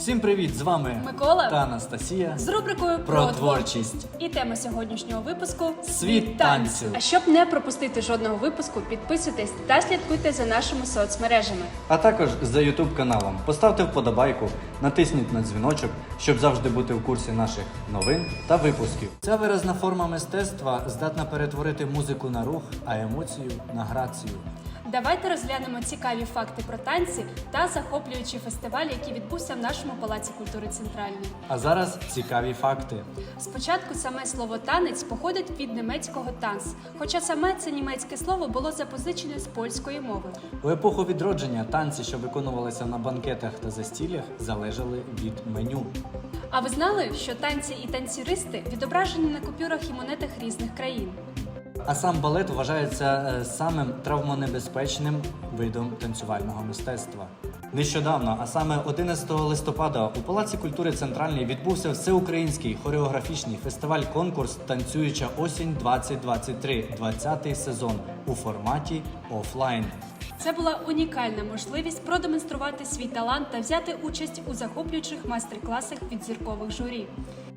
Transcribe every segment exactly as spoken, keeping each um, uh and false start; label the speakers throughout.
Speaker 1: Усім привіт! З вами
Speaker 2: Микола
Speaker 1: та Анастасія
Speaker 2: з рубрикою
Speaker 1: про творчість.
Speaker 2: І тема сьогоднішнього випуску
Speaker 1: Світ танцю.
Speaker 2: А щоб не пропустити жодного випуску, підписуйтесь та слідкуйте за нашими соцмережами.
Speaker 1: А також за ютуб каналом. Поставте вподобайку, натисніть на дзвіночок, щоб завжди бути в курсі наших новин та випусків. Ця виразна форма мистецтва здатна перетворити музику на рух, а емоцію на грацію.
Speaker 2: Давайте розглянемо цікаві факти про танці та захоплюючий фестиваль, який відбувся в нашому Палаці культури Центральний.
Speaker 1: А зараз цікаві факти.
Speaker 2: Спочатку саме слово «танець» походить від німецького «танц», хоча саме це німецьке слово було запозичене з польської мови.
Speaker 1: У епоху відродження танці, що виконувалися на банкетах та застіллях, залежали від меню.
Speaker 2: А ви знали, що танці і танцюристи відображені на купюрах і монетах різних країн?
Speaker 1: А сам балет вважається е, самим травмонебезпечним видом танцювального мистецтва. Нещодавно, а саме одинадцятого листопада, у Палаці культури Центральний відбувся всеукраїнський хореографічний фестиваль-конкурс «Танцююча осінь двадцять двадцять три» двадцятий сезон у форматі офлайн.
Speaker 2: Це була унікальна можливість продемонструвати свій талант та взяти участь у захоплюючих майстер-класах від зіркових журі.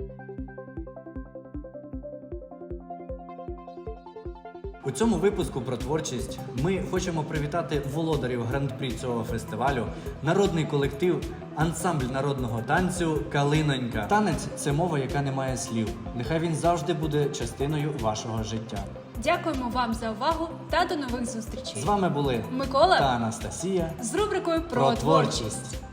Speaker 1: У цьому випуску про творчість ми хочемо привітати володарів гран-прі цього фестивалю, народний колектив, ансамбль народного танцю «Калинонька». Танець – це мова, яка не має слів. Нехай він завжди буде частиною вашого життя.
Speaker 2: Дякуємо вам за увагу та до нових зустрічей.
Speaker 1: З вами були
Speaker 2: Микола
Speaker 1: та Анастасія
Speaker 2: з рубрикою
Speaker 1: про творчість.